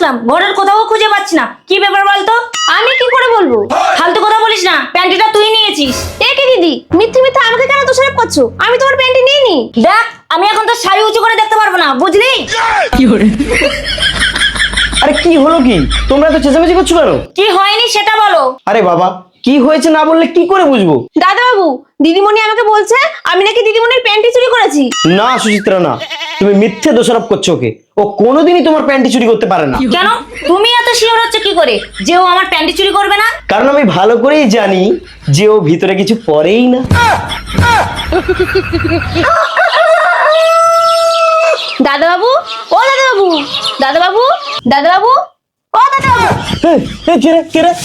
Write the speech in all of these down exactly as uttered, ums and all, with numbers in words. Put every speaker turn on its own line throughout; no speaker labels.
আসলাম, ঘরের কোথাও খুঁজে পাচ্ছি না। কি ব্যাপার বলতো?
আমি কি করে বলবো?
ফালতু কথা বলিস না, প্যান্টিটা তুই নিয়েছিস।
এ কি দিদি, মিথ্যে মিথ্যে আমাকে কেন দোষারোপ করছো? আমি তোমার প্যান্টি নিইনি।
দেখ, আমি এখন তো শাড়ি উঁচু করে দেখতে পারবো না, বুঝলি?
আরে কি হলো কি? তোমরা এত চেঁচামেচি করছো কেন?
কি হয়নি সেটা বলো।
আরে বাবা, কি হয়েছে না বললে কি করে বুঝবো?
দাদা বাবু, দিদিমণি আমাকে বলছে আমি নাকি দিদিমণির প্যান্টি চুরি করেছি।
না সুচিত্রা, না, তুমি মিথ্যে দোষারোপ করছো ওকে। ও কোনোদিনই তোমার প্যান্টি চুরি করতে পারে না।
কেন? তুমি এত শিওর হচ্ছে কি করে যে ও আমার প্যান্টি চুরি করবে না?
কারণ আমি ভালো করেই জানি যে ও ভিতরে কিছু পরেই না।
দাদা বাবু, ও দাদা বাবু, দাদা বাবু, দাদা বাবু, ও দাদা বাবু।
এই, এই, কে রে, কে রে?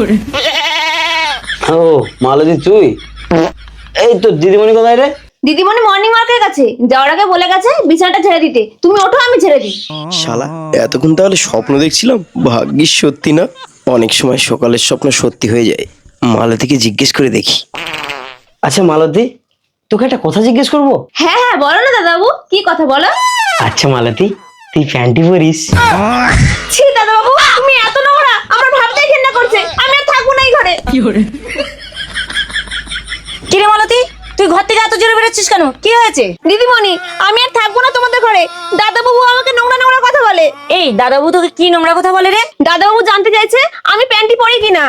ও মালতী, তুই? এই তো দিদিমণি কোথায় রে?
দিদিমণি মর্নিং ওয়ার্কের কাছে যাওয়ার আগে বলে গেছে বিছানাটা ঝেড়ে দিতে। তুমি ওঠো, আমি ঝেড়ে দিই।
শালা, এতক্ষণ তাহলে স্বপ্ন দেখছিলাম, ভাগ্যিস সত্যি না। অনেক সময় সকালের স্বপ্ন সত্যি হয়ে যায়। মালতীকে জিজ্ঞেস করে দেখি।
আচ্ছা মালতী, তোকে একটা কথা জিজ্ঞেস করবো?
হ্যাঁ হ্যাঁ, বলো না দাদা বাবু, কি কথা বলো।
আচ্ছা মালতী, তুই প্যান্টি পরিস?
ছি দাদা বাবু, তুমি এত নোংরা, আমার ভাবতেই ঘেন্না করছে। আমি আর থাকবো না এই ঘরে।
কি রে মালতী, তুই ঘর থেকে এত জোরে বেরোচ্ছিস কেন? কি হয়েছে?
দিদিমণি, আমি আর থাকবো না তোমাদের ঘরে। দাদা বাবু আমাকে নোংরা নোংরা কথা বলে।
এই দাদাবু তোকে কি নোংরা কথা বলে রে?
দাদা বাবু জানতে চাইছে আমি প্যান্টি পরি কিনা।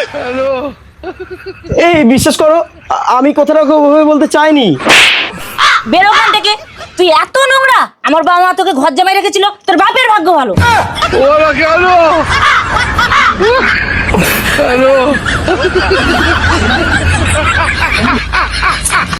এই বিশ্বাস করো, আ- আমি কথাটা ওকে ওভাবে বলতে চাইনি।
বের ওখান থেকে। তুই এত নোংরা, আমার বাবা মা তোকে ঘর জামাই রেখেছিল, তোর বাপের ভাগ্য ভালো।
Hello. Hello.